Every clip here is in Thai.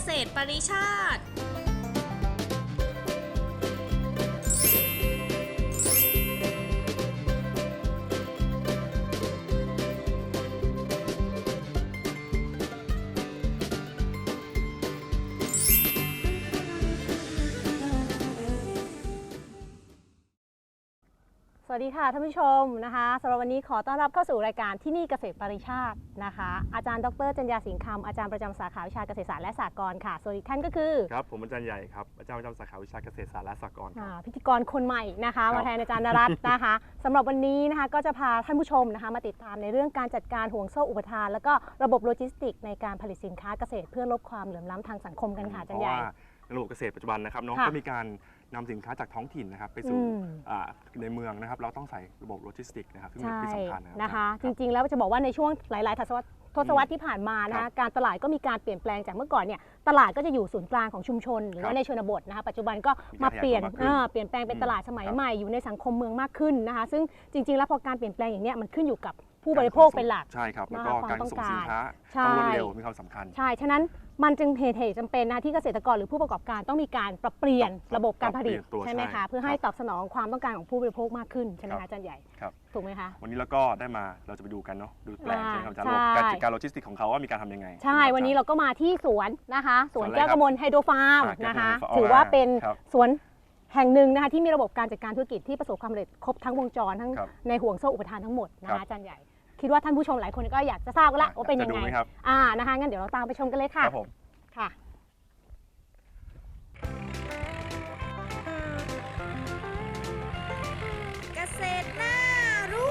ษตรปริชาติสวัสดีค่ะท่านผู้ชมนะคะสำหรับวันนี้ขอต้อนรับเข้าสู่รายการที่นี่เกษตรปริชาตินะคะอาจารย์ดร.จัญญาสิงห์คำอาจารย์ประจำสาขาวิชาเกษตรศาสตร์และสหกรณ์ค่ะส่วนอีกท่านก็คือครับผมอาจารย์ใหญ่ครับอาจารย์ประจำสาขาวิชาเกษตรศาสตร์และสหกรณ์ครับพิธีกรคนใหม่นะคะมาแทนอาจารย์นรัตน์นะคะสำหรับวันนี้นะคะก็จะพาท่านผู้ชมนะคะมาติดตามในเรื่องการจัดการห่วงโซ่อุปทานแล้วก็ระบบโลจิสติกในการผลิตสินค้าเกษตรเพื่อลดความเหลื่อมล้ำทางสังคมกันค่ะอาจารย์ใหญ่เพราะว่าในระบบเกษตรปัจจุบันนะครับน้องก็มีการนำสินค้าจากท้องถิ่นนะครับไปสู่ในเมืองนะครับเราต้องใส่ระบบโลจิสติกนะครับซึ่งเป็นที่สำคัญนะคะจริงๆแล้วจะบอกว่าในช่วงหลายๆทศวรรษที่ผ่านมานะคะการตลาดก็มีการเปลี่ยนแปลงจากเมื่อก่อนเนี่ยตลาดก็จะอยู่ศูนย์กลางของชุมชนหรือว่าในชนบทนะคะปัจจุบันก็มาเปลี่ยนแปลงเป็นตลาดสมัยใหม่อยู่ในสังคมเมืองมากขึ้นนะคะซึ่งจริงๆแล้วพอการเปลี่ยนแปลงอย่างนี้มันขึ้นอยู่กับผู้บริโภคเป็นหลักใช่ครับแล้วก็การส่งสินค้าต้องรวดเร็วมีความสำคัญใช่ฉะนั้นมันจึงเหตุจำเป็นนะที่เกษตรกรหรือผู้ประกอบการต้องมีการปรับเปลี่ยนระบบการผลิตใช่ไหมคะเพื่อให้ตอบสนองความต้องการของผู้บริโภคมากขึ้นใช่ไหมคะอาจารย์ใหญ่ถูกไหมคะวันนี้เราก็ได้มาเราจะไปดูกันเนาะดูแปลงใช่ไหมครับอาจารย์การจัดการโลจิสติกของเขาว่ามีการทำยังไงใช่วันนี้เราก็มาที่สวนนะคะสวนแก้วกมลไฮโดรฟาร์มนะคะถือว่าเป็นสวนแห่งหนึ่งนะคะที่มีระบบการจัดการธุรกิจที่ประสบความสำเร็จครบทั้งวงจรทั้งในห่วงโซ่อุปทานทั้งหมดนะคะอาจารย์ใหญ่คิดว่าท่านผู้ชมหลายคนก็อยากจะทราบกันละว่าเป็นยังไงนะคะงั้นเดี๋ยวเราตามไปชมกันเลยค่ะค่ะเกษตรน่ารู้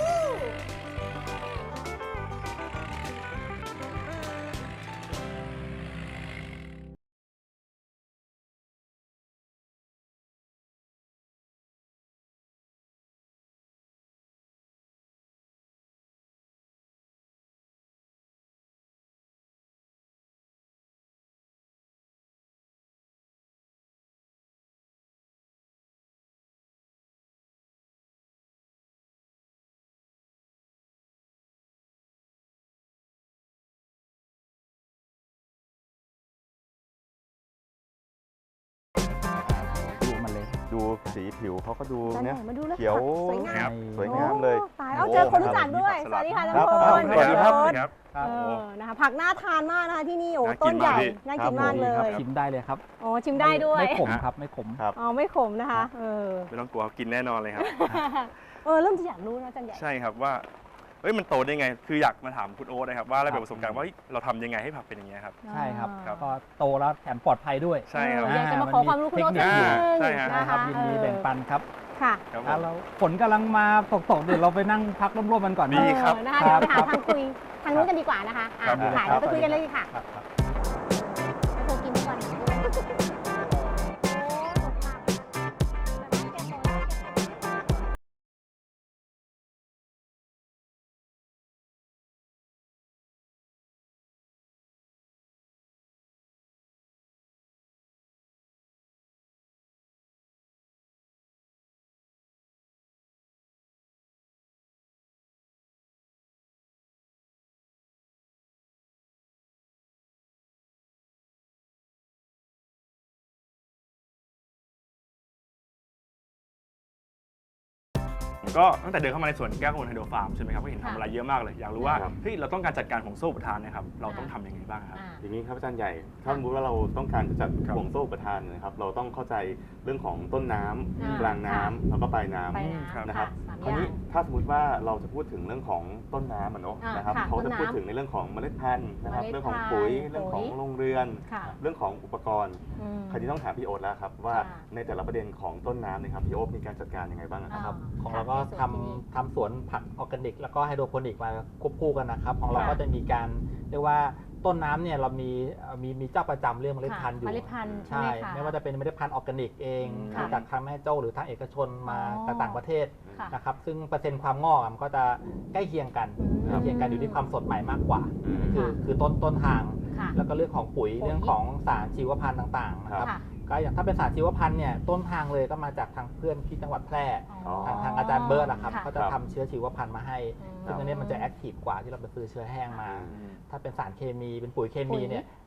ดูสีผิวเขาก็ดูเนี่ยเขียวสวยงามเลยตายเอาเจอคนรู้จักด้วยสวัสดีค่ะท่านผู้ชมสวัสดีครับนะคะผักน่าทานมากนะคะที่นี่โอ้ต้นใหญ่น่ากินมากเลยชิมได้เลยครับอ๋อชิมได้ด้วยไม่ขมครับไม่ขมอ๋อไม่ขมนะคะไม่ต้องกลัวกินแน่นอนเลยครับเริ่มจะอยากรู้นะอาจารย์ใหญ่ใช่ครับว่ามันโตได้ไงคืออยากมาถามคุณโอ๊ตนะครับว่าอะไรเป็นประสบการณ์ว่าเราทำยังไงให้ผักเป็นอย่างเงี้ยครับใช่ครับก็โตแล้วแถมปลอดภัยด้วยใช่ครับอยากจะมาขอความรู้คุณโอ๊ตนิดนึงใช่ครับยินดีแบ่งปันครับค่ะเราฝนกำลังมาตกเดี๋ยวเราไปนั่งพักร่มๆกันก่อนดีครับนะคะเดี๋ยวไปหาทางคุยทางนู้นกันดีกว่านะคะค่ะเดี๋ยวไปคุยกันเลยค่ะโทรกินทุกวันก็ตั้งแต่เดินเข้ามาในสวนแก้วกมลไฮโดรฟาร์มใช่ไหมครับก็เห็นทำอะไรเยอะมากเลยอยากรู้ว่าเราต้องการจัดการห่วงโซ่อุปทานนะครับเราต้องทำยังไงบ้างครับอย่างนี้ครับอาจารย์ใหญ่ถ้าสมมติว่าเราต้องการจะจัดห่วงโซ่อุปทานนะครับเราต้องเข้าใจเรื่องของต้นน้ำกลางน้ำแล้วก็ปลายน้ำนะครับคราวนี้ถ้าสมมติว่าเราจะพูดถึงเรื่องของต้นน้ำนะครับเขาจะพูดถึงในเรื่องของเมล็ดพันธุ์นะครับเรื่องของปุ๋ยเรื่องของโรงเรือนเรื่องของอุปกรณ์คราวนี้ต้องถามพี่โอ๊ตแล้วครับว่าในแต่ละประเด็นของต้นน้ำนะครับพี่โอ๊ตมีการจัดการยังไงบ้างครับของเราก็ทำสวนผักออร์แกนิกแล้วก็ไฮโดรโปนิกมาควบคู่กันนะครับของเราก็จะมีการเรียกว่าต้นน้ำเนี่ยเรามีเจ้าประจำเรื่องเมล็ดพันธุ์อยู่ใช่ไม่ว่าจะเป็นเมล็ดพันธุ์ออร์แกนิกเองจากทางแม่โจ้หรือทางเอกชนมาจากต่างประเทศนะครับซึ่งเปอร์เซ็นต์ความงอกมันก็จะใกล้เคียงกันอยู่ที่ความสดใหม่มากกว่าคือต้นทางแล้วก็เรื่องของปุ๋ยเรื่องของสารชีวพันธุ์ต่างๆนะครับก็อย่างถ้าเป็นสารชีวพันธุ์เนี่ยต้นทางเลยก็มาจากทางเพื่อนที่จังหวัดแพร่ทางอาจารย์เบิร์ดนะครับก็จะทำเชื้อชีวพันธุ์มาให้ซึ่งอันนี้มันจะแอคทีฟกว่าที่เราไปซื้อเชื้อแห้งมาถ้าเป็นสารเคมีเป็นปุ๋ยเคมีเนี่ย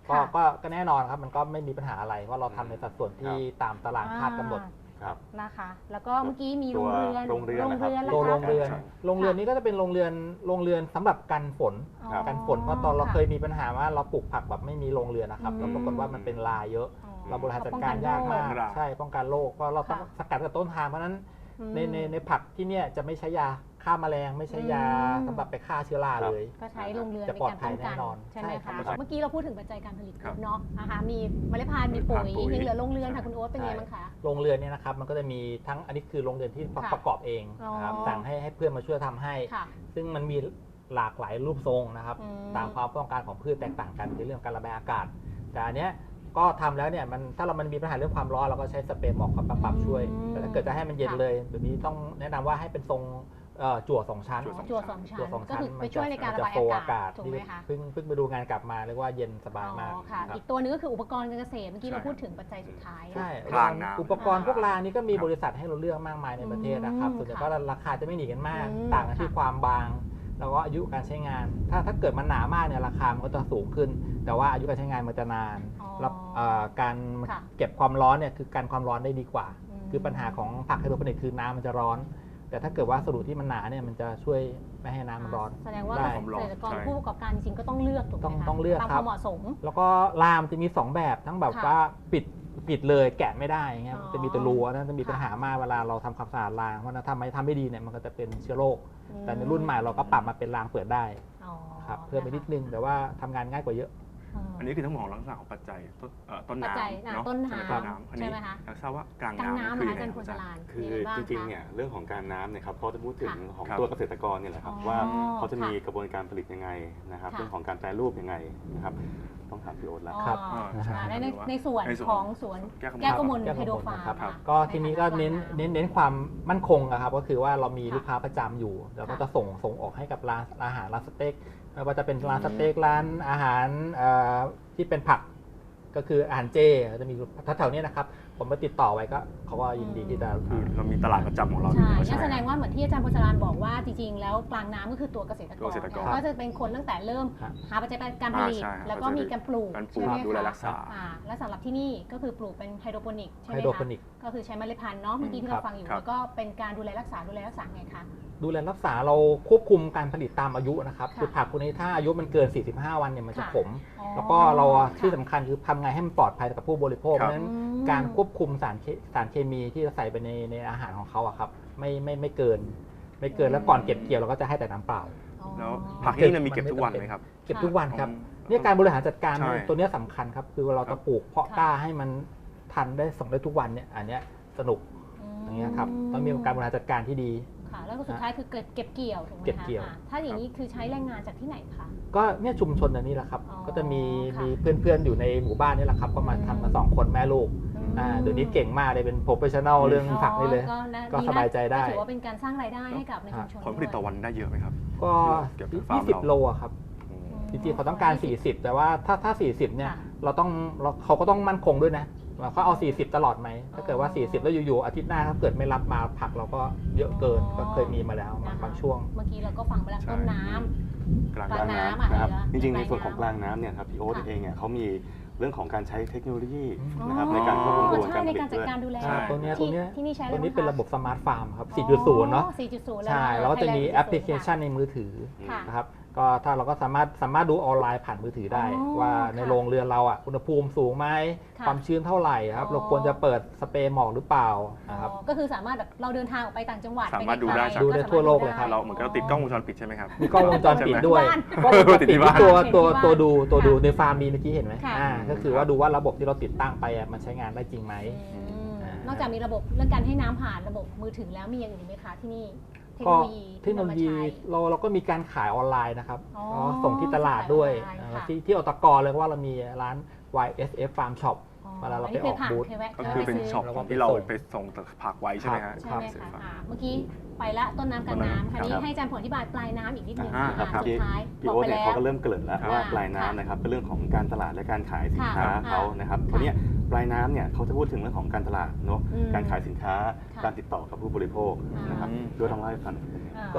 ก็แน่นอนครับมันก็ไม่มีปัญหาอะไรว่าเราทำในสัดส่วนที่ตามตารางคาดกำหนดครับนะคะ แล้วก็เมื่อกี้มีโรงเรือนโรงเรือนนะครับแล้วโรงคะเรือนนี้ก็จะเป็นโรงเรือนสำหรับกันฝนอ๋อกันฝนเพราะตอนเราค่ะเคยมีปัญหาว่าเราปลูกผักแบบไม่มีโรงเรือนนะครับอืมแล้วปรากฏว่ามันเป็นลายเยอะอ๋อเราบริหารจัดการยากมากป้องกันโรคใช่ป้องกันโรคเพราะเราต้องค่ะสกัดกับต้นทางเพราะฉะนั้นอืมในผักที่เนี่ยจะไม่ใช้ยาฆ่าแมลงไม่ใช้ยาอืมสำหรับไปฆ่าเชื้อราเลยก็ใช้โรงเรือนจะในปลอดการภัป้ยองกันแน่นอนใช่ไหมใช่ครัคะบเมื่อกี้เราพูดถึงปัจจัยการผลิตครับเนาะนะคะมีเมล็ดพันธุ์มีปุ๋ยปุ๋ยยังเหลือโรงเรือนค่ะคุณโอ๊ตเป็นไงบ้างคะโรงเรือนเนี่ยนะครับมันก็จะมีทั้งอันนี้คือโรงเรือนที่ค่ะประกอบเองนะครับอ๋อสั่งให้เพื่อนมาช่วยทำให้ค่ะซึ่งมันมีหลากหลายรูปทรงนะครับอืมตามความต้องการของพืชแตกต่างกันในเรื่องการระบายอากาศ แต่อันเนี้ยก็ทำแล้วเนี่ยถ้ามันมีปัญหาเรื่องความร้อนเราก็ใช้สเปรย์หมอกปรับช่วย แต่ถ้าเกิดจะให้มันเย็นเลยแบบนี้ต้องแนะนำว่าให้เป็นทรงจั่วสองชั้นจั่วสองชั้นจั่วสองก็ชั้นคือไปช่วยในการระบายโฟอากาศถูกที่ไหมคะเพิ่งไปดูงานกลับมาเรียกว่าเย็นสบายมากอ๋อค่ะครับอีกตัวหนึงก็คืออุปกรณ์การเกษตรเมื่อกี้ใช่เราพูดถึงปัจจัยสุดท้ายใช่รางน้ำอุปกรณ์พวกรางนี้ก็มีครับบริษัทให้เราเลือกมากมายในประเทศนะครับอืมส่วนใหญ่ค่ะก็ราคาจะไม่หนีกันมากอืมต่างกันที่ค่ะความบาง แล้วก็อายุการใช้งาน ถ้าเกิดมันหนามากเนี่ยราคามันก็จะสูงขึ้น แต่ว่าอายุการใช้งานมันจะนานอ๋อแล้วการค่ะเก็บความร้อนเนี่ยคือการความร้อนได้ดีกว่าอืมคือปัญหาของผักไฮโดรโปนิกคือน้ำมันจะร้อน แต่ถ้าเกิดว่าสรุปที่มันหนาเนี่ยมันจะช่วยไม่ให้น้ำมันร้อนแสดงว่าได้เกษตรกรใช่ผู้ประกอบการจริงๆก็ต้องเลือกถูกไหมคะต้องเลือกตามคครับ วามเหมาะสมแล้วก็รามจะมี 2 แบบทั้งแบบค่ะว่าปิดเลยแกะไม่ได้อย่างเงี้ยอ๋อจะมีแต่รูอันนั้นจะมีค่ะปัญหามากเวลาเราทำความสะอาดรางเพราะฉะนั้นทำไม่ดีเนี่ยมันก็จะเป็นเชื้อโรคอืมแต่ในรุ่นใหม่เราก็ปรับมาเป็นรางเปิดได้อ๋อครับเพิ่มไปนิดนึงแต่ว่าทำงานง่ายกว่าเยอะอันนี้คือทั้งหมดของลักษณะของปัจจัยต้นปัจจัยน้ำเนาะต้นน้ต้นน้ำอันำนี้ใช่ไหมคะอยากทราบว่ากลางกลางน้ำน้ำคือนะยังอาไงจารย์พลอาสจารย์ลานคือยังไงบ้างจริงๆคะเนี่ยเรื่องของการน้ำเนี่ยครับเขาจะพูดถึงค่ะของครับตัวเกษตรกรเนี่ยแหละครับอ๋อว่าเขาจะมีค่ะกระบวนการผลิตยังไงนะครับค่ะเรื่องของการแปรรูปยังไงนะครับต้องถามพี่โอ๊ตแล้วครับอ๋อใช่ในในส่วนในส่วนของสวนแก้แก้ววกกมมลลไฮโดรฟาร์มครับค่ะก็ทีนี้ก็เน้นใกลางำเน้นความมั่นคงนะครับก็คือว่าเรามีค่ะลูกค้าประจำอยู่แล้วก็ค่ะจะส่งออกให้กับร้านอาหารร้านสเต็กไม่ว่าจะเป็นร้านสเต็กร้านอาหารที่เป็นผักก็คืออาหารเจจะมีแถวๆนี้นะครับผมมาติดต่อไว้ก็เขาก็ยินดีที่จะคือเรามีตลาดประจำของเราอใช่ยู่แล้วงั้ใช่นไหมแสดงว่าเหมือนที่อาจารย์พลสลานบอกว่าจริงๆ แล้วกลางน้ำก็คือตัวเกษตรกตัวรเกษตรกรก็จะเป็นคนตั้งแต่เริ่มครับหาปัจจัยการผลิตใช่ครับแล้วก็มีการปลูกการปลูกใช่ไหมดูแลคะรักษาและสำหรับที่นี่ก็คือปลูกเป็นไฮโดรโปนิกใช่ไหไฮมโดรคะโปนิกก็คือใช้เมล็ดพันธุ์เนาะเมื่อกี้ที่ครัเราบฟังอยู่ครับแล้วก็เป็นการดูแลรักษาไงคะดูแลรักษาเราควบคุมการผลิตตามอายุนะครับค่ะคือผักพวกนี้ถ้าอายุมันเกิน 45 วันเนี่ยมันจะค่ะขมอ๋อแล้วก็เราค่ะที่สำคัญคือทำไงให้มันปลอดภัยกับผู้บริโภคคเพรับราะฉะนั้นอืมการควบคุมสารเคมีที่จะใส่ไปในอาหารของเขาอะครับไม่เกินแล้วก่อนเก็บเกี่ยวเราก็จะให้แต่น้ำเปล่าอ๋อแล้วผักที่นี่เนี่ยมีเก็บทุกวันไหมครับเก็บทุกวันครับอืมเนี่ยการบริหารจัดการใช่ตัวเนี้ยสำคัญครับคือเราครัจะบปลูกเพาะค่ะกล้าให้มันทันได้ส่งได้ทุกวันเนี่ยอันเนี้ยสนุกอย่างเงี้ยครับต้องมีการบริหารจัดการที่ดีค่ะแล้วก็สุดท้ายคือเก็บเกี่ยวถูกไหมคะเก็บเกี่ยวอ่าถ้าอย่างนี้คือใช้แรงงานจากที่ไหนคะก็เนี่ยชุมชนอันนี้แหละครับอ๋อก็จะมีค่ะเพื่อนๆอยู่ในหมู่บ้านนี่แหละครับก็มาทำกัน2 คนแม่ลูกเดี๋ยวนี้เก่งมากเลยเป็นโปรเฟชชั่นอลเรื่องผักนี่เลย ก็ดีนะสบายใจได้ถือว่าเป็นการสร้างรายได้ให้กับในชุมชนผลผลิตต่อวันได้เยอะไหมครับก็เก็บจากฟาร์มเรา 20 โลอะครับอืมจริงๆเขาต้องการ 40 แต่ว่าถ้า 40 เนี่ยค่ะเขาก็ต้องมั่นคงด้วยนะเขาเอา 40 ตลอดไหม ถ้าเกิดว่า 40 แล้วอยู่ๆอาทิตย์หน้าถ้าเกิดไม่รับมาผักเราก็เยอะเกินก็เคยมีมาแล้วบางช่วงเมื่อกี้เราก็ฟังไปแล้วใช่ต้นน้ำกลางกลางน้ำน้ำนะครับอะไรเหรอจริงๆปในลายส่วนของน้ำกลางน้ำเนี่ยครับพี่โอ๊ตค่ะเองเนี่ยเขามีเรื่องของการใช้เทคโนโลยีอ๋อนะครับในการควบคุมกระบวนใช่การผในลิตการจัดด้วยการดูแลใช่ตัวเนี้ยที่นี่ใช้อะไรตัวนี้บ้างคเป็นระบบสมาร์ทฟาร์มครับอ๋อ 4.0 เนาะ 4.0 ใช่แล้วก็จะมี Thailand 4.0 แอปพลิเคชันในมือถือค่ะนะครับก็ถ้าเราก็สามารถดูออนไลน์ผ่านมือถือได้อ๋อว่าในค่ะโรงเรือนเราอ่ะอุณหภูมิสูงไหมค่ะความชื้นเท่าไหร่ครับอ๋อเราควรจะเปิดสเปรย์หมอกหรือเปล่านะครับอ๋อก็คือสามารถแบบเราเดินทางออกไปต่างจังหวัดสามารถปดูได้กจากดูได้ทั่วโลกเลยครับเราเหมือนกับเราติดกล้องวงจรปิดใช่ไหมครับมีกล้องวงจรปิดด้วยบ้านกล้องวงจรปิดติดที่บ้านที่ตัวติดที่บ้านดูค่ะในฟาร์มมีเมื่อกี้เห็นไหมค่ะก็คือว่าดูว่าระบบที่เราติดตั้งไปอ่ะมันใช้งานได้จริงไหมอืมอ่านอกจากมีระบบเรื่องการให้น้ำผ่านระบบมือถือแล้วมีอย่างอื่นไหมคะที่นี่เทคก็โนโลยีเทคโนโลยีที่นำมาใช้เราก็มีการขายออนไลน์นะครับอ๋อก็ส่งที่ตลาดด้วยขายออนไลน์ค่ะที่อตกเลยเพราะว่าเรามีร้าน YSF Farm Shop เวลาเราไปออกบูธเคยแวะก็คือเป็นซื้ช็อปแล้วก็ที่เราไปส่งไปส่งผักไว้ใช่ไหมฮะใช่ไหมซื้อคะผักเมื่อกี้ไปละต้นน้ำกลางน้ำคราวนี้ครับให้อาจารย์ผลอธิบายปลายน้ำอีกนิดนึงอ่าค่ะครับสุดท้ายพี่บอกโอ๊ตไปเนี่ยแล้วเขาก็เริ่มเกริ่นแล้วค่ะว่าปลายค่ะน้ำนะครับเป็นเรื่องของการตลาดและการขายสินค้าค่ะเขานะครับค่ะคราวเนี้ยปลายน้ำเนี่ยเขาจะพูดถึงเรื่องของการตลาดเนาะอืมการขายสินค้าค่ะการติดต่อกับผู้บริโภคนะครับอืมด้วยลองเล่าให้ฟังหน่อยอ่าก็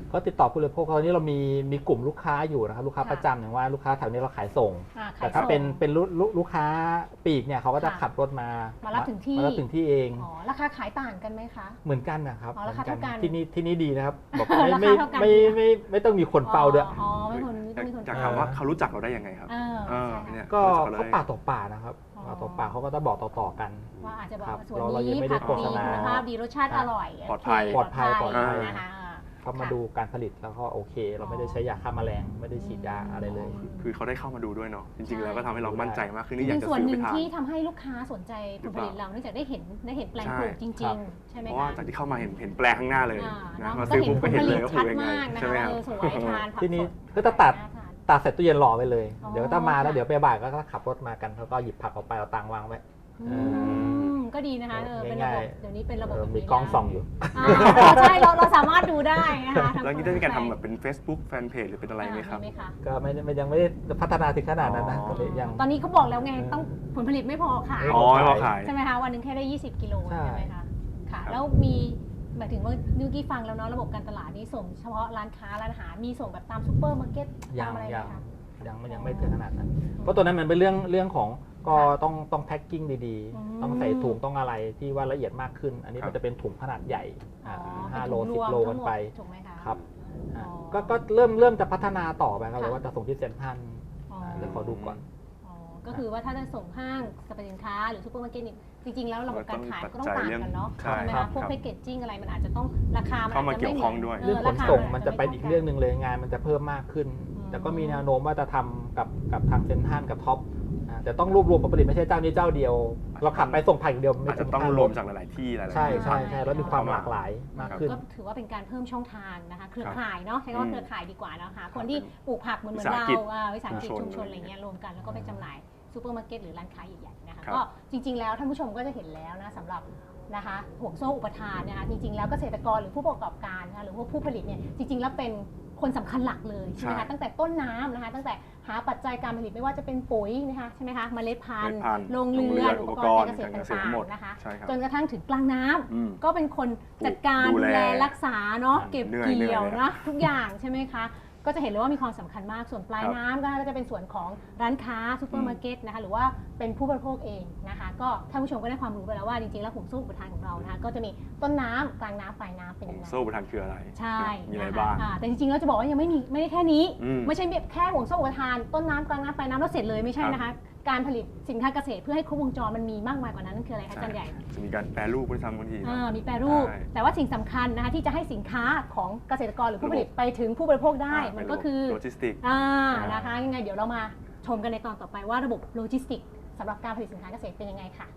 ก็ติดต่อผู้บริโภคตอนนี้เรามีกลุ่มลูกค้าอยู่นะครับลูกค้าประจำอย่างว่าลูกค้าแถวนี้เราขายส่งแต่ถ้าเป็นลูกค้าปีกเนี่ยเขาก็จะขับรถมารับถึงที่เองราคาขายต่างกันไหมคะเหมือนกันนะครับราคาเท่ากันที่นี่ดีนะครับบอกไม่ต้องมีคนเฝ้าด้วยอยากถามว่าเขารู้จักเราได้ยังไงครับก็เขาปากต่อปากนะครับปากต่อปากเขาก็จะบอกต่อกันว่าอาจจะบอกส่วนนี้ผักดีคุณภาพดีรสชาติอร่อยปลอดภัยนะคะเขามาดูการผลิตแล้วก็โอเคเราไม่ได้ใช้ยาฆ่าแมลงไม่ได้ฉีดยาอะไรเลยคือเขาได้เข้ามาดูด้วยเนาะจริงๆแล้วก็ทำให้เรามั่นใจมากขึ้นนี่อยากจะส่วนหนึ่งซื้อไปทานที่ทำให้ลูกค้าสนใจผลผลิตเราเนื่องจากได้เห็นแปลงปลูกจริงๆใช่ไหมคะเพราะว่าจากที่เข้ามาเห็นแปลงข้างหน้าเลยนะมาซื้อปุ๊บก็เห็นเลยว่าปลูกยังไงใช่ไหมครับสวยทานที่นี้ก็จะตัดใส่ตู้เย็นรอไว้เลยเดี๋ยวถ้ามาแล้วเดี๋ยวไปบ่ายก็ขับรถมากันแล้วก็หยิบผักออกไปเอาตังวางไว้ก็ดีนะคะเป็นระบบเดี๋ยวนี้เป็นระบบมีกล้องส่องอยู่ใช่เราสามารถดูได้นะคะแล้วนี่ได้มีการทำแบบเป็น Facebook Fanpage หรือเป็นอะไรไหมครับก็ยังไม่ได้พัฒนาถึงขนาดนั้นนะตอนนี้เขาบอกแล้วไงต้องผลผลิตไม่พอขายใช่ไหมคะวันนึงแค่ได้20 กิโลใช่ไหมคะค่ะแล้วมีหมายถึงว่านิวกี้ฟังแล้วเนาะระบบการตลาดนี้ส่งเฉพาะร้านค้าร้านอาหารมีส่งแบบตามซุปเปอร์มาร์เก็ตตามอะไรไหมคะยังไม่ถึงขนาดนั้นเพราะตัวนั้นมันเป็นเรื่องของก็ต้องแพ็คกิ้งดีๆต้องใส่ถุงต้องอะไรที่ว่าละเอียดมากขึ้นอันนี้มันจะเป็นถุงขนาดใหญ่5 โล 10 โลกันไปครับก็เริ่มจะพัฒนาต่อไปครับเลยว่าจะส่งที่เซ็นทรัลเดี๋ยวขอดูก่อนก็คือว่าถ้าจะส่งห้างสรรพสินค้าหรือซุปเปอร์มาร์เก็ตจริงๆแล้วระบบการขายก็ต้องต่างกันเนาะใช่ไหมคะพวกแพคเกจจิ้งอะไรมันอาจจะต้องราคามันอาจจะไม่เหมือนเรื่องขนส่งมันจะไปอีกเรื่องนึงเลยงานมันจะเพิ่มมากขึ้นแต่ก็มีแนวโน้มว่าจะทำกับทางเซ็นทรัลกับท็อปแต่ต้องรวบรวมผลผลิตไม่ใช่เจ้านี้เจ้าเดียวเราขับไปส่งผ่านอย่างเดียวไม่จะต้องรวมจากหลายๆที่หลายๆใช่แล้วมีความหลากหลายมากขึ้นก็ถือว่าเป็นการเพิ่มช่องทางนะคะเครือข่ายเนาะใช้คำว่าเครือข่ายดีกว่านะคะคนที่ปลูกผักเหมือนเราวิสาหกิจชุมชนอะไรเงี้ยรวมกันแล้วก็ไปจำหน่ายซูเปอร์มาร์เก็ตหรือร้านค้าใหญ่ๆนะคะก็จริงๆแล้วท่านผู้ชมก็จะเห็นแล้วนะสำหรับนะคะห่วงโซ่อุปทานนะคะจริงๆแล้วเกษตรกรหรือผู้ประกอบการนะคะหรือว่าผู้ผลิตเนี่ยจริงๆแล้วเป็นคนสำคัญหลักเลยใช่ไหมคะตั้งแต่ต้นน้ำนะคะตั้งแต่หาปัจจัยการผลิตไม่ว่าจะเป็นปุ๋ยนะคะใช่ไหมคะเมล็ดพันธุ์โรงเรือนอุปกรณ์การเกษตรต่างๆนะคะจนกระทั่งถึงกลางน้ำก็เป็นคนจัดการดูแลรักษาเนาะเก็บเกี่ยวนะทุกอย่างใช่ไหมคะก็จะเห็นเลยว่ามีความสำคัญมากส่วนปลายน้ำก็จะเป็นส่วนของร้านค้าซูเปอร์มาร์เก็ตนะคะหรือว่าเป็นผู้บริโภคเองนะคะก็ท่านผู้ชมก็ได้ความรู้ไปแล้วว่าจริงๆแล้วห่วงโซ่อุปทานของเรานะคะก็จะมีต้นน้ำกลางน้ำปลายน้ำเป็นยังไงโซ่อุปทานคืออะไรใช่มีอะไรบ้างแต่จริงๆแล้วจะบอกว่ายังไม่ได้แค่นี้ไม่ใช่แค่ห่วงโซ่อุปทานต้นน้ำกลางน้ำปลายน้ำแล้วเสร็จเลยไม่ใช่นะคะการผลิตสินค้าเกษตรเพื่อให้ครบวงจรมันมีมากมายกว่านั้นนั่นคืออะไรคะอาจารย์ใหญ่จะมีการแปรรูปด้วยซ้ำบางทีมีแปรรูปแต่ว่าสิ่งสำคัญนะคะที่จะให้สินค้าของเกษตรกรหรือผู้ผลิตไปถึงผู้บริโภคได้มันก็คือโลจิสติกนะคะยังไงเดี๋ยวเรามาชมกันในตอนต่อไปว่าระบบโลจิสติกสำหรับการผลิตสินค้าเกษตรเป็นยังไงค่ะ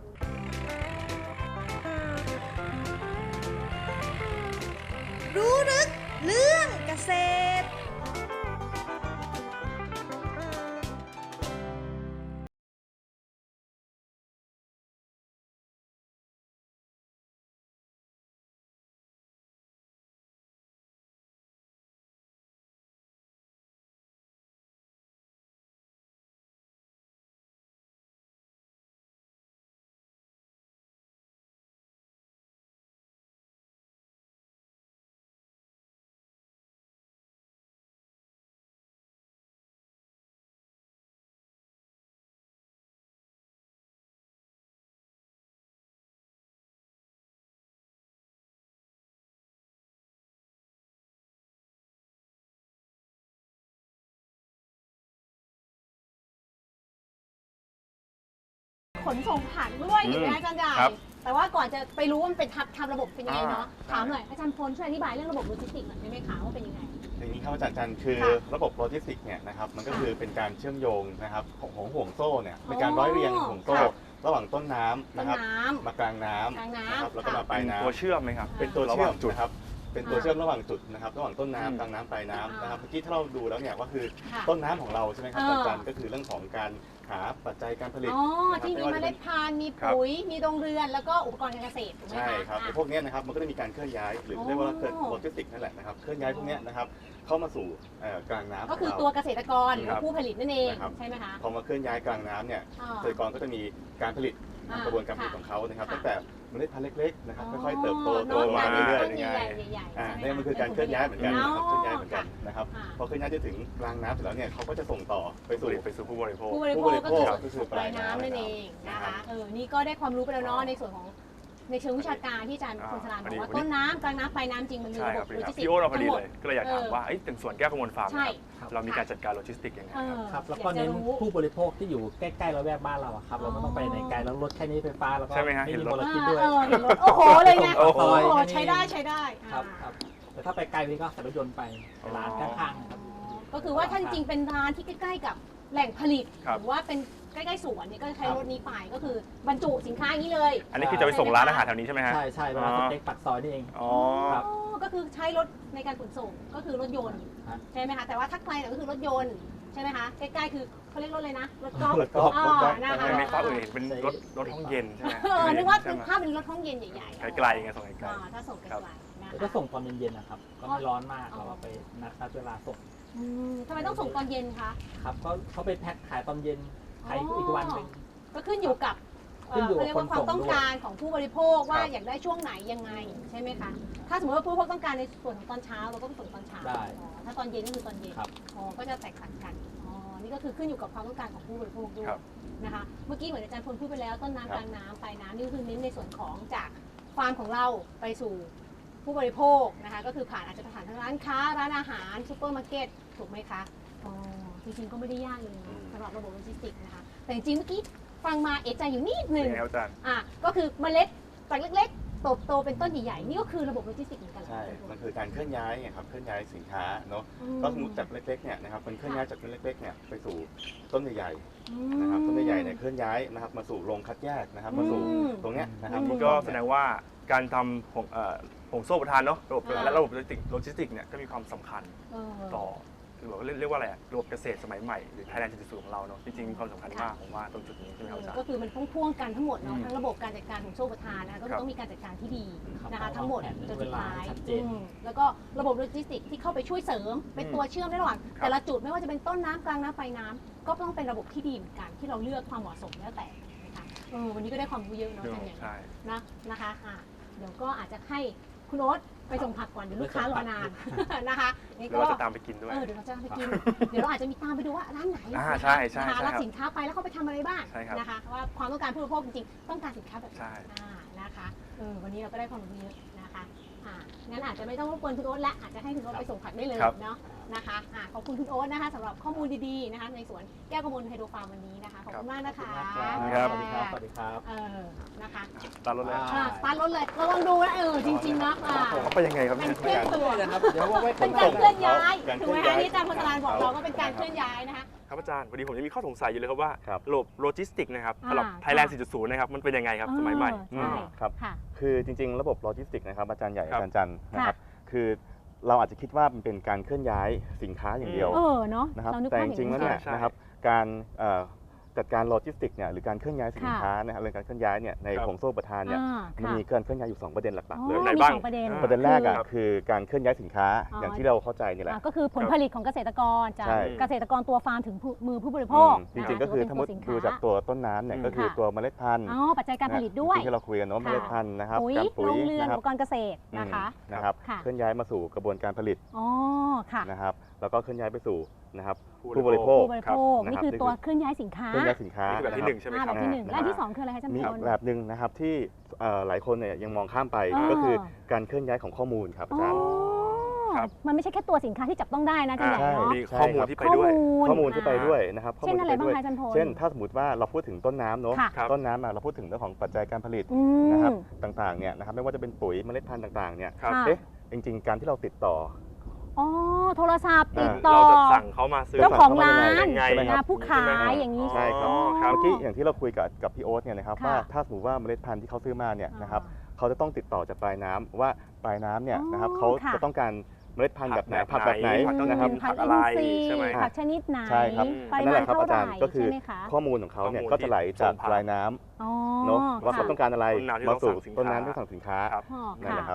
รู้ลึกเรื่องเกษตรขนส่งผักด้วยอยู่นะอาจารย์ใหญ่แต่ว่าก่อนจะไปรู้ว่ามันเป็นทำระบบเป็นยังไงเนาะถามหน่อยอาจารย์พลช่วยอธิบายเรื่องระบบโลจิสติกหน่อยได้ไหมคะว่าเป็นยังไงอย่างนี้ครับอาจารย์จันคือระบบโลจิสติกเนี่ยนะครับมันก็คือเป็นการเชื่อมโยงนะครับของห่วงโซ่เนี่ยเป็นการร้อยเรียงห่วงโซ่ระหว่างต้นน้ำนะครับมากลางน้ำนะครับแล้วก็มาปลายน้ำตัวเชื่อมไหมครับเป็นตัวเชื่อมจุดครับเป็นตัวเชื่อมระหว่างจุดนะครับระหว่างต้นน้ำกลางน้ำปลายน้ำนะครับเมื่อกี้ถ้าเราดูแล้วเนี่ยก็คือต้นน้ำของเราใช่ไหมครับอาจารย์ก็คือเรื่องของการหาปัจจัยการผลิตที่มีเมล็ดพันธุ์มีปุ๋ยมีโรงเรือนแล้วก็อุปกรณ์การเกษตรใช่ครับพวกนี้นะครับมันก็จะมีการเคลื่อนย้ายหรือเรียกว่าโลจิสติกนั่นแหละนะครับเคลื่อนย้ายพวกนี้นะครับเข้ามาสู่กลางน้ำก็คือตัวเกษตรกรหรือผู้ผลิตนั่นเองใช่ไหมคะพอมาเคลื่อนย้ายกลางน้ำเนี่ยเกษตรกรก็จะมีการผลิตกระบวนการผลิตของเขานะครับตั้งแต่เมล็ดพันธุ์เล็กๆนะครับค่อยๆเติบโตมาน้เรื่อยต้นๆยังไงใหญ่ๆนี่มันคือการเคลื่อนย้ายเหมือนกันนะครับอ๋อเคลื่อนย้ายเหมือนกันนะครับพอเคลื่อนย้ายจะถึงกลางน้ำเสร็จแล้วเนี่ยเขาก็จะส่งต่อไปสู่ผู้บริโภคผู้บริโภคก็คือก็คือปลายน้ำนั่นเองนะคะนี่ก็ได้ความรู้ไปแล้วเนาะในส่วนของในเชิงวิชาการที่อาจารย์คุณสรานบอกว่าต้นน้ำกลางน้ำปลายน้ำจริงมันมีใช่ระคบรับบ โลจิสติกพี่โอ๊ตเราพอทั้ดีงหมเลดยก็เลยอยากถามว่าถึงสวนแก้วกมลฟาร์มใช่นะครับเรามีการจัดการโลจิสติกยังไงครับครับแล้วก็เน้นผู้บริโภคที่อยู่ใกล้ๆระแวกบ้านเราอะครับเราไม่ต้องไปไหนไกลแล้วรถแค่นี้ไฟฟ้าแล้วก็ใช่ไหมฮะไม่เห็นมีรมถลพิษด้วยเห็นรถโอ้โหเลยไงโอ้โหใช้ได้ครับแต่ถ้าไปไกลนี่ก็ขับรถยนต์ไปร้านข้างๆครับก็คือว่าถ้าจริงๆเป็นร้านที่ใกล้ๆกับแหล่งผลิตครับหรือว่าเป็นใกล้ๆสวนเนี่ยก็จะใช้รถนี้ไปก็คือบรรจุสินค้าอย่างนี้เลยอันนี้คือจะไปส่งร้านอาหารแถวนี้ใช่ไหมฮะใช่ร้านสเต็กปักซอยนี่เองอ๋อครับก็คือใช้รถในการขนส่งก็คือรถยนต์ครับใช่ไหมคะแต่ว่าถ้าไกลเนี่ยก็คือรถยนต์ใช่ไหมคะใกล้ๆคือเขาเรียกรถเลยนะรถกอล์ฟรถกอล์ฟอ๋อรถกอล์ฟนะคะในฟ้าเห็นเป็นรถห้องเย็นใช่ไหมนึกว่าใช่ไหมภาพเป็นรถห้องเย็นใหญ่ๆไกลๆไงส่งไกลถ้าส่งไกลๆนะแล้วคะก็ส่งตอนเย็นๆนะครับ ก็ไม่ร้อนมากเราก็ไปนัดเวลาส่งทำไมต้องส่งตอนเย็นคะครับก็เขาไปแพ็คขายตอนเย็นขายอีกวันหนึ่งก็ขึ้นอยู่กับขึ้นอยู่กับเรียกว่าความคนส่งต้องการของผู้บริโภคว่าครับอยากได้ช่วงไหนยังไงใช่ไหมคะถ้าสมมติว่าผู้บริโภคต้องการในส่วนของตอนเช้าเราก็ไปส่งตอนเช้าได้อ๋อถ้าตอนเย็นก็คือตอนเย็นครับอ๋อก็จะแตกต่างกันอ๋อนี่ก็คือขึ้นอยู่กับความต้องการของผู้บริโภคด้วยครับนะคะเมื่อกี้เหมือนอาจารย์พลพูดไปแล้วต้นน้ำคกรับลางน้ำปลายน้ำนี่ก็คือเน้นในส่วนของจากฟาร์มของเราไปสู่ผู้บริโภคนะคะก็คือผ่านอาจจะผ่านทางร้านค้าร้านอาหารซูเปอร์มาร์เก็ตถูกไหมคะอ๋อจริงๆก็ไม่ได้ยากเลยอืมสำหรับระบบโลจิสติกส์นะคะแต่จริงๆเมื่อกี้ฟังมาเอะใจอยู่นิดๆนึยัง งไงครับอาจารย์ก็คือเมล็ดจากเล็กๆโตเป็นต้นใหญ่ๆนี่ก็คือระบบโลจิสติกส์เหมือนกันใช่ มันคือการเคลื่อนย้ายไงครับเคลื่อนย้ายสินค้าเนาะก็สมมติจากเล็กๆเนี่ยนะครับมันเคลื่อนย้ายจากต้นเล็กๆเนี่ยไปสู่ต้นใหญ่ๆนะครับต้นใหญ่ๆเนี่ยเคลื่อนย้ายนะครับมาสู่โรงคัดแยกนะครับมาสู่ตรงเนี้ยนะครับนี่ก็แสดงว่าการทำผงโซ่ประทานเนาะระบบและระบบโลจิสติกเนี่ยก็มีความสำคัญต่อคือแบบเรียกว่าอะไรอะระบบเกษตรสมัยใหม่หรือ Thailand 4.0ของเราเนาะจริงๆมีความสำคัญมากผมว่าตรงจุดนี้ใช่ไหมครับอาจารย์ก็คือมันพ่วงๆกันทั้งหมดเนาะทั้งระบบการจัดการของโซ่ประทานนะคะก็คือต้องมีการจัดการที่ดีนะคะทั้งหมดจนสุดท้ายแล้วก็ระบบโลจิสติกส์ที่เข้าไปช่วยเสริมเป็นตัวเชื่อมระหว่างแต่ละจุดไม่ว่าจะเป็นต้นน้ำกลางน้ำปลายน้ำก็ต้องเป็นระบบที่ดีเหมือนกันที่เราเลือกความเหมาะสมแล้วแต่นะคะวันนี้ก็ได้ความรู้เยอะเนาะอาจารย์ใหญ่ใช่นะคะเดี๋ยวก็อาจจะให้คุณโอ๊ตไปส่งผักก่อนเดี๋ยวลูกค้ารอนานนะคะนี่เดี๋ยวเราจะตามไปกินด้วยเดี๋ยวเราจะไปกิน เดี๋ยวเราอาจจะมีตามไปดูว่าร้านไหนใช่นะคะรับครับสินค้าไปแล้วเขาไปทำอะไรบ้างใช่ครับนะคะว่าความต้องการผู้บริโภคจริงๆต้องการสินค้าแบบไหนใช่นะคะวันนี้เราก็ได้ความรู้เยอะนะคะงั้นอาจจะไม่ต้องรบกวนคุณโอ๊ตและอาจจะให้คุณโอ๊ตไปส่งผักได้เลยเนาะนะคะขอบคุณคุณโอ๊ตนะคะสำหรับข้อมูลดีๆนะคะในสวนแก้วกมลไฮโดรฟาร์มวันนี้นะคะขอบคุณมากนะคะครับสวัสดีครับ สวัสดีครับนะคะตามรถเลยสตาร์ทรถเลยระวังดูนะจริงๆนะเขาไปยังไงครับเป็เนี่นยเคลื่อนตัวนะครับ เดี๋ยวว่าไว้เป็นการเคลื่อนย้ายถูกไหมคะที่อาจารย์พลสรานบอกเราก็เป็นการเคลื่อนย้ายนะคะครับอาจารย์พอดีผมยังมีข้อสงสัยอยู่เลยครับว่าครับระบบโลจิสติกนะครับสำหรับ Thailand 4.0 นะครับมันเป็นยังไงครับสมัยใหม่ใช่ครับค่ะคือจริงๆ ระบบโลจิสติกส์นะครับอาจารย์ใหญ่ครับอาจารย์จันทร์นะครับคือเราอาจจะคิดว่ามันเป็นการเคลื่อนย้ายสินค้าอย่างเดียวเนาะนะครับเรานึกแต่ภาพจอย่างริงๆแล้วนี้เนี่ยใช่นะครับการจัดการโลจิสติกส์เนี่ยหรือการเคลื่อนย้ายสินค้านะครับเรื่องการเคลื่อนย้ายเนี่ยในครับห่วงโซ่อุประทานเนี่ยมันมีการเคลื่อนย้ายอยู่ 2 ประเด็นหลักๆเลยไหนมีบ้างสองประเด็นประเด็นแรกอ่ะครับคือการเคลื่อนย้ายสินค้าอ๋อออย่างที่เราเข้าใจนี่แหละก็คือผลผลิตของเกษตรกรจากใช่เกษตรกรตัวฟาร์มถึงมือผู้บริโภคจริงๆก็คือถ้ามุดดูจากตัวต้นน้ำเนี่ยก็คือตัวเมล็ดพันธุ์ปัจจัยการผลิตด้วยที่เราคุยกันเนาะเมล็ดพันธุ์นะครับปุ๋ยการปุ๋โรยงเรือนนะคอุรับปกรณ์เกษตรนะคะนะครับค่ะเคลื่อนย้ายมาสู่กระบวนการผลิตค่ะนะครับแล้วก็เคลื่อนย้ายไปสู่นะครับผู้ผู้บบริริโภโภคคผู้บริโภคนะครับนี่คือตัวเคลื่อนย้ายสินค้าเคลื่อนย้ายสินค้านี่คือแบบที่หนึ่งใช่ไหมครับแบบที่หนึ่งและที่สองคืออะไรคะอาจารย์มีพอีลกแบบหนึ่งนะครับที่หลายคนเนี่ยยังมองข้ามไปอ๋อก็คือการเคลื่อนย้ายของข้อมูลครับอาจารย์ครับมันไม่ใช่แค่ตัวสินค้าที่จับต้องได้นะอาจารย์ใหญ่ใช่เนาะมีข้อมูลที่ไปด้วยข้อมูลที่ไปด้วยนะครับข้อเช่มูนลอะไรที่ไปบ้างด้วยคะอาจารย์พลเช่นถ้าสมมติว่าเราพูดถึงต้นน้ำเนาะค่ะครับต้นน้ำเราพูดถึงเรื่องของปัจจัยการผลิตอืมนะครับต่างๆเนี่ยนะครับไม่ว่าจะเป็นปุ๋ยเมล็ดพันธุ์ต่างๆเนี่ยครับค่ะเอ๊ะจริงๆ การที่เราติดต่อโทรศัพท์ติดต่เราอจะสั่งเขามาซื้อเจ้าของร้านยังไงใช่ไหมครับผู้ขายอย่างนี้ใช่ครับครับเมื่อกี้อย่างที่เราคุยกับพี่โอ๊ตเนี่ยนะครับค่ะว่าถ้าสมมติว่าเมล็ดพันธุ์ที่เขาซื้อมาเนี่ยนะครับเขาจะต้องติดต่อจากปลายน้ำว่าปลายน้ำเนี่ยนะครับเขาค่ะจะต้องการเมล็ดพันธุ์แบบไหนผัผักกแบแบบ บไหไหนนผักต้องนะครับผักอะไรอินทรีย์ใช่ไหมผักชนิดไหนใช่ครับปรินั่นมาแหณละครับเท่าอาไหจาร่รย์ก็คือใช่ไหมคะข้อมูลของเขาเนี่ยข้อมูลก็จะไหลจากที่ปลายน้ำเนาะว่าเขาต้องการอะไรต้นน้ำที่มาต้องสู่สั่งสินค้าต้นน้ำที่สั่งสินค้าครับนั่นแหละครับ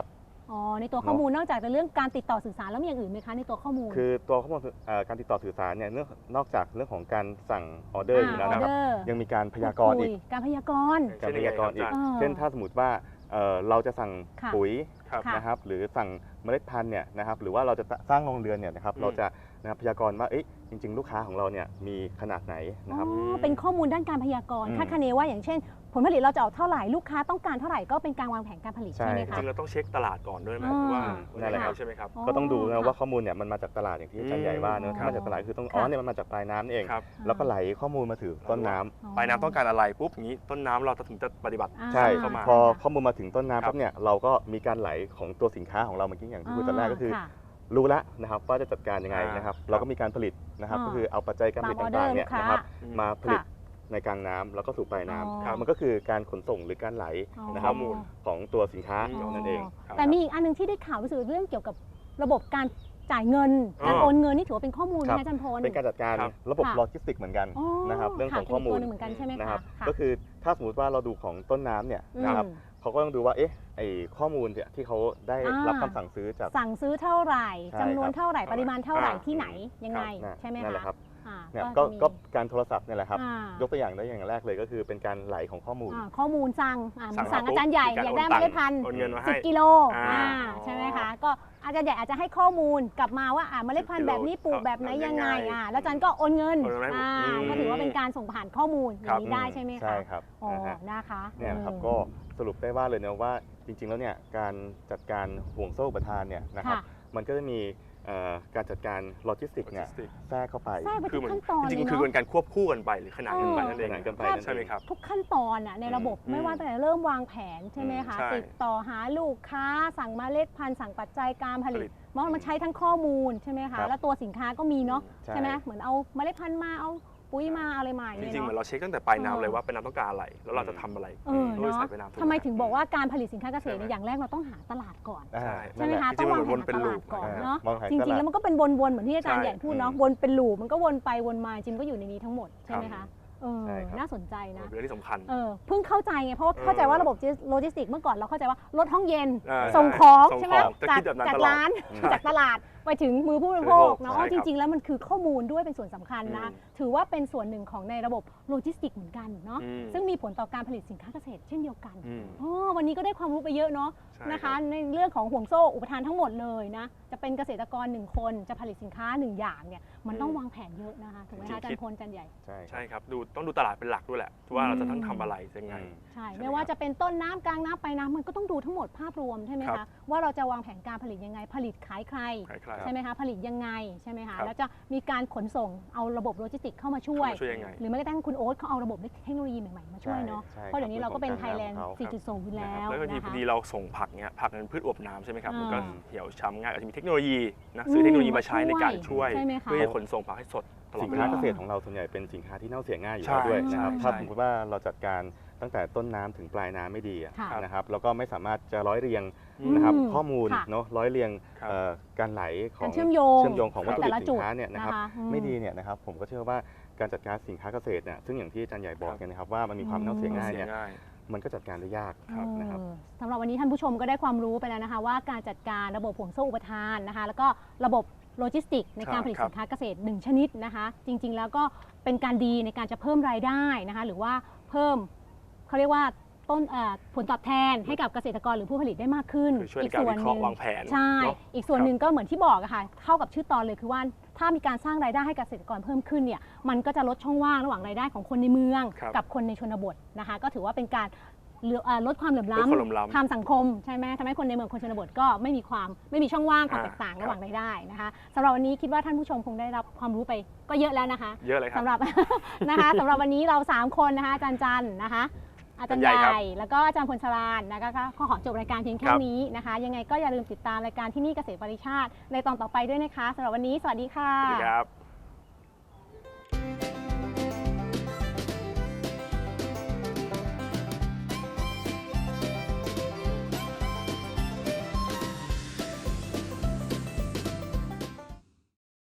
อ๋อในตัวข้อมูลนอกจากเรื่องการติดต่อสื่อสารแล้วมีอย่างอื่นไหมคะในตัวข้อมูลคือตัวข้อมูลการติดต่อสื่อสารเนี่ยนอกจากเรื่องของการสั่งออเดอร์อยู่แล้วนะครับยังมีการพยากรณ์อีกการพยากรณ์อีกเช่นถ้าสมมติว่าเราจะสั่งปุ๋ยนะครับหรือสั่งเมล็ดพันธุ์เนี่ยนะครับหรือว่าเราจะสร้างโรงเรือนเนี่ยนะครับเราจะพยากรณ์ว่าจริงๆลูกค้าของเราเนี่ยมีขนาดไหนนะครับเป็นข้อมูลด้านการพยากรณ์คาดคะเนว่าอย่างเช่นผลผลิตเราจะออกเท่าไหร่ลูกค้าต้องการเท่าไหร่ก็เป็นการวางแผนการผลิตใช่ไหมคะจริงเราต้องเช็คตลาดก่อนด้วยไหมว่านั่นแหละครับใช่ไหมครับก็ต้องดูนะว่าข้อมูลเนี่ยมันมาจากตลาดอย่างที่อาจารย์ใหญ่ว่านะมาจากตลาดคือต้องเนี่ยมันมาจากปลายน้ำนี่เองแล้วก็ไหลข้อมูลมาถึงต้นน้ำปลายน้ำต้องการอะไรปุ๊บอย่างนี้ต้นน้ำเราถึงจะปฏิบัติใช่พอข้อมูลมาถึงต้นน้ำปั๊บเนี่ยเราก็มีการไหลของตัวสินค้าของเราเมื่อกี้อย่างที่พูดตอนแรกก็คือรู้แล้วนะครับว่าจะจัดการยังไงนะครับเราก็มีการผลิตนะครับก็คือเอาปัจจัยการผลิตต่างๆเนี่ยนะครับมาผลิตในกลางน้ำแล้วก็สู่ปลายน้ำมันก็คือการขนส่งหรือการไหลข้อมูลของตัวสินค้านั่นเองแต่มีอีกอันนึงที่ได้ข่าวรู้สึกเรื่องเกี่ยวกับระบบการจ่ายเงินการโอนเงินนี่ถือว่าเป็นข้อมูลนะอาจารย์พลเป็นการจัดการระบบโลจิสติกเหมือนกันนะครับเรื่องของข้อมูลเหมือนกันใช่ไหมครับก็คือถ้าสมมติว่าเราดูของต้นน้ำเนี่ยนะครับเขาก็ต้องดูว่าไอ้ข้อมูลที่เขาได้รับคำสั่งซื้อจากสั่งซื้อเท่าไหร่จำนวนเท่าไหร่ปริมาณเท่าไหร่ที่ไหนยังไงใช่ไหมคะเนี่ยก็การโทรศัพท์เนี่ยแหละครับยกตัวอย่างได้อย่างแรกเลยก็คือเป็นการไหลของข้อมูลสั่งอาจารย์ใหญ่อยากได้เมล็ดพันธุ์10 กิโลใช่ไหมคะก็อาจารย์ใหญ่อาจจะให้ข้อมูลกลับมาว่าเมล็ดพันธุ์แบบนี้ปลูกแบบไหนยังไงแล้วอาจารย์ก็โอนเงินก็ถือว่าเป็นการส่งผ่านข้อมูลอย่างนี้ได้ใช่ไหมคะใช่ครับนะคะเนี่ยครับก็สรุปได้ว่าเลยนะว่าจริงๆแล้วเนี่ยการจัดการห่วงโซ่อุปทานเนี่ยนะครับมันก็จะมีการจัดการโลจิสติกเนี่ยแทรกเข้าไปคือขั้นตอนจริงๆคือเป็นการควบคู่กันไปหรือขนานกันไปนั่นเองใช่ไหมครับทุกขั้นตอนในระบบไม่ว่าตั้งแต่เริ่มวางแผนใช่ไหมคะติดต่อหาลูกค้าสั่งเมล็ดพันธุ์สั่งปัจจัยการผลิตมันใช้ทั้งข้อมูลใช่ไหมคะแล้วตัวสินค้าก็มีเนาะใช่ไหมเหมือนเอาเมล็ดพันธุ์มาเอาปุ๋ยมาอะไรมาจริงๆเหมือนเราเช็คตั้งแต่ปลายน้ำเลยว่าเป็นน้ำต้องการอะไรแล้วเราจะทำอะไรด้วยสายปลายน้ำทำไมถึงบอกว่าการผลิตสินค้าเกษตรอย่างแรกเราต้องหาตลาดก่อนใช่ไหมคะต้องวางแผนตลาดก่อนเนาะจริงๆแล้วมันก็เป็นวนๆเหมือนที่อาจารย์ใหญ่พูดเนาะวนเป็นลูปมันก็วนไปวนมาจริงก็อยู่ในนี้ทั้งหมดใช่ไหมคะน่าสนใจนะเรื่องที่สำคัญเพิ่งเข้าใจไงเพราะว่าเข้าใจว่าระบบโลจิสติกเมื่อก่อนเราเข้าใจว่ารถห้องเย็นส่งของใช่ไหมจากร้านจากตลาดไปถึงมือผู้บริโภคเนาะจริงๆแล้วมันคือข้อมูลด้วยเป็นส่วนสำคัญนะถือว่าเป็นส่วนหนึ่งของในระบบโลจิสติกเหมือนกันเนาะซึ่งมีผลต่อการผลิตสินค้าเกษตรเช่นเดียวกันวันนี้ก็ได้ความรู้ไปเยอะเนาะนะคะในเรื่องของห่วงโซ่อุปทานทั้งหมดเลยนะจะเป็นเกษตรกร1คนจะผลิตสินค้า1อย่างเนี่ยมันต้องวางแผนเยอะนะคะถูกไหมคะอาจารย์พลอาจารย์ใหญ่ใช่ครับต้องดูตลาดเป็นหลักด้วยแหละว่าเราจะต้องทำอะไรยังไงใช่ไม่ว่าจะเป็นต้นน้ำกลางน้ำปลายน้ำมันก็ต้องดูทั้งหมดภาพรวมใช่ไหมคะว่าเราจะวางแผนการผลิตยังไงผลิตขายใครใช่ไหมคะผลิตยังไงใช่ไหมคะแล้วจะมีการขนส่งเอาระบบโลจิสติกเข้ามาช่วยหรือแม้กระทั่งคุณโอ๊ตเขาเอาระบบเทคโนโลยีใหม่ๆมาช่วยเนาะเพราะเดี๋ยวนี้เราก็เป็นไทยแลนด์ 4.0 อยู่แล้วแล้วก็พอดีเราส่งผักเนี่ยผักเป็นพืชอวบน้ำใช่ไหมครับมันก็เหี่ยวช้ำง่ายอาจจะมีเทคโนโลยีนะซื้อเทคโนโลยีมาใช้ในการช่วยเพื่อขนส่งผักให้สดสินค้าเกษตรของเราส่วนใหญ่เป็นสินค้าที่เน่าเสียง่ายอยู่แล้วด้วยนะครับถ้าสมมติว่าเราจัดการตั้งแต่ต้นน้ำถึงปลายน้ำไม่ดีนะครับแล้วก็ไม่สามารถจะร้อยเรียงนะครับข้อมูลเนาะร้อยเรียงการไหลของเชื่อมโยงของวัตถุดิบสินค้าเนี่ยนะครับไม่ดีเนี่ยนะครับผมก็เชื่อว่าการจัดการสินค้าเกษตรเนี่ยซึ่งอย่างที่อาจารย์ใหญ่บอกนะครับว่ามันมีความเน่าเสียง่ายเนี่ยมันก็จัดการได้ยากนะครับสำหรับวันนี้ท่านผู้ชมก็ได้ความรู้ไปแล้วนะคะว่าการจัดการระบบห่วงโซ่อุปทานนะคะแล้วก็ระบบโลจิสติกในการผลิตสินค้าเกษตร1ชนิดนะคะจริงๆแล้วก็เป็นการดีในการจะเพิ่มรายได้นะคะหรือว่าเพิ่มเขาเรียกว่าต้นผลตอบแทนให้กับเกษตรกรหรือผู้ผลิตได้มากขึ้นอีกส่วนหนึ่งวางแผนใช่อีกส่วนหนึ่งก็เหมือนที่บอกอะค่ะเข้ากับชื่อตอนเลยคือว่าถ้ามีการสร้างรายได้ให้เกษตรกรเพิ่มขึ้นเนี่ยมันก็จะลดช่องว่างระหว่างรายได้ของคนในเมืองกับคนในชนบทนะคะก็ถือว่าเป็นการลดความเหลื่อมล้ำทางสังคมใช่ไหมทำให้คนในเมืองคนชนบทก็ไม่มีช่องว่างความแตกต่างระหว่างรายได้นะคะสำหรับวันนี้คิดว่าท่านผู้ชมคงได้รับความรู้ไปก็เยอะแล้วนะคะเยอะเลยครับสำหรับนะคะสำหรับวันนี้เรา3คนนะคะอาจารย์จันนะคะอาจารย์ใหญ่แล้วก็อาจารย์พลสรานนะคะก็ขอจบรายการเพียงแค่นี้นะคะยังไงก็อย่าลืมติดตามรายการที่นี่เกษตรปริชาติในตอนต่อไปด้วยนะคะสำหรับวันนี้สวัสดีค่ะสวัสดีครับ